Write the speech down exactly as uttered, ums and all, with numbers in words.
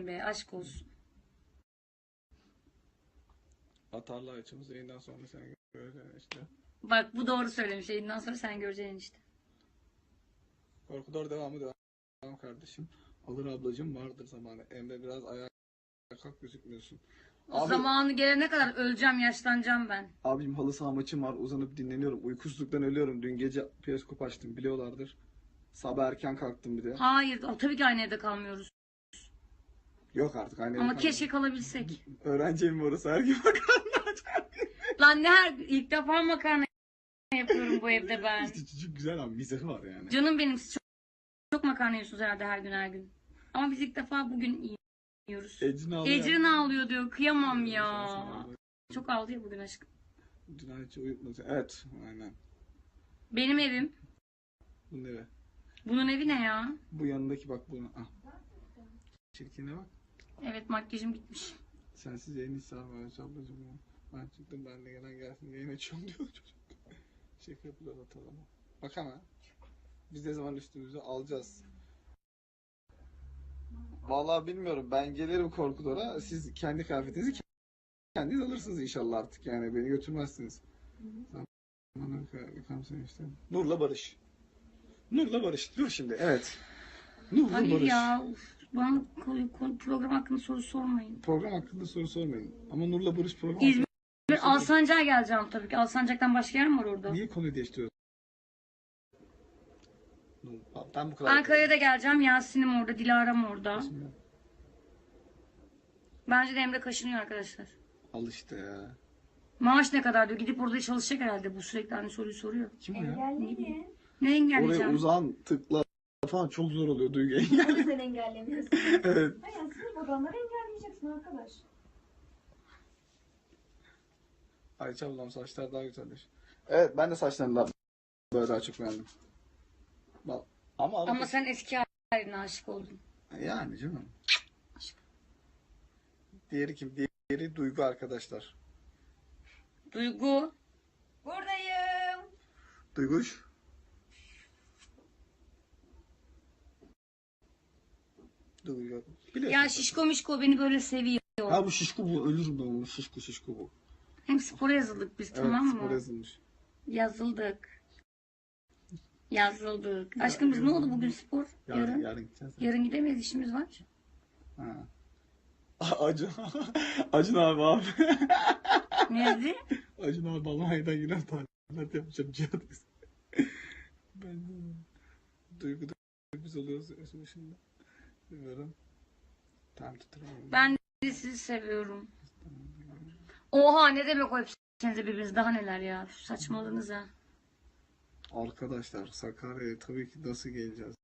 be, aşk olsun. Atarlı açımız yayından sonra sen göreceksin işte. Bak bu doğru söylemiş. Yayından sonra sen göreceksin işte. Korkudor devamı devam kardeşim. Alır ablacığım, vardır zamanı. Emre biraz ayağa kalk, gözükmüyorsun. O Abi, zamanı gelene kadar öleceğim, yaşlanacağım ben. abicim halı saha maçım var, uzanıp dinleniyorum. Uykusuzluktan ölüyorum. Dün gece periskop açtım, biliyorlardır. Sabah erken kalktım bir de. Hayır, tabii ki aynı evde kalmıyoruz. Yok artık aynı Ama evde keşke kalmadım. kalabilsek. Öğrenci evi orası, her gün makarna. Lan ne her ilk defa makarna yapıyorum bu evde ben. İşte çocuk güzel ama mizahı var yani. Canım benim, siz çok, çok makarna yiyorsunuz herhalde her gün her gün. Ama biz ilk defa bugün yiyoruz. Ecrin ağlıyor. Ecrin ağlıyor diyor. Kıyamam ya. Çok ağlıyor bugün aşkım. Dün hiç uyutmadı. Evet, aynen. Benim evim. Bunun evi. Bunun evi ne ya? Bu yanındaki bak bunu. Ah. Çirkine bak. Evet, makyajım gitmiş. Sensiz yayın hiç sarmıyor ablacığım ya. Ben çıktım, ben de gelen gelsin yayın açıyorum diyor çocuk. Şaka yapıyorlar atalama. Bak ama. Biz ne zaman üstümüzü alacağız. Vallahi bilmiyorum, ben gelirim Korkudor'a. Siz kendi kıyafetinizi kendiniz alırsınız inşallah artık, yani beni götürmezsiniz. Bana yıkam seni işte. Nur'la Barış. Nur'la Barış. Dur şimdi, evet. Nur'la Hayır Barış. ya. Uf, bana ko- ko- program hakkında soru sormayın. Program hakkında soru sormayın. Ama Nur'la Barış program İzmir, hakkında... Alsancak'a geleceğim tabii ki. Alsancak'tan başka yer mi var orada? Niye konuyu değiştiriyorsun? Ben bu kadar... Ankara'ya da geleceğim. Yasin'im orada, Dilara'm orada. Bence de Emre kaşınıyor arkadaşlar. Al işte ya. Maaş ne kadar diyor. Gidip orada çalışacak herhalde. Bu sürekli aynı soruyu soruyor. Kim o ya? Engelleyin. Ne engelleyeceğim? Oraya uzan, tıkla falan çok zor oluyor Duygu. Onu sen engellemiyorsun. Evet. Hayır, sınıf odanları engelleyeceksin arkadaş. Ayça ablam saçlar daha güzelmiş. Evet, ben de saçlarını böyle daha çok beğendim. Bak, ama Ama sen eski haline aşık oldun. yani canım. Diğeri kim? Diğeri Duygu arkadaşlar. Duygu. Buradayım. Duyguş. Duygu. Biliyorsun. Ya şişko mişko beni böyle seviyor. Ha bu şişko bu, ölürüm ben bunu. Şişko şişko bu. Hem spora yazıldık biz, Evet, tamam mı? spor yazılmış. Yazıldık. Yazıldık. Aşkım biz ne oldu bugün spor? Yarın, Yarın. yarın gideceğiz. Yarın gidemeyiz, işimiz var. Ha. Acun. Acun abi abi. Nerede? Acun abi Almanya'dan yine talimat yapacağım Cihat. Ben de Duygu da biz oluyoruz şimdi. Bilmiyorum. Tam tutuyorum. Ben de sizi seviyorum. Oha, ne demek o hepsinize birbiriniz, daha neler ya. Saçmalığınız ha. Arkadaşlar Sakarya'ya tabii ki nasıl geleceğiz?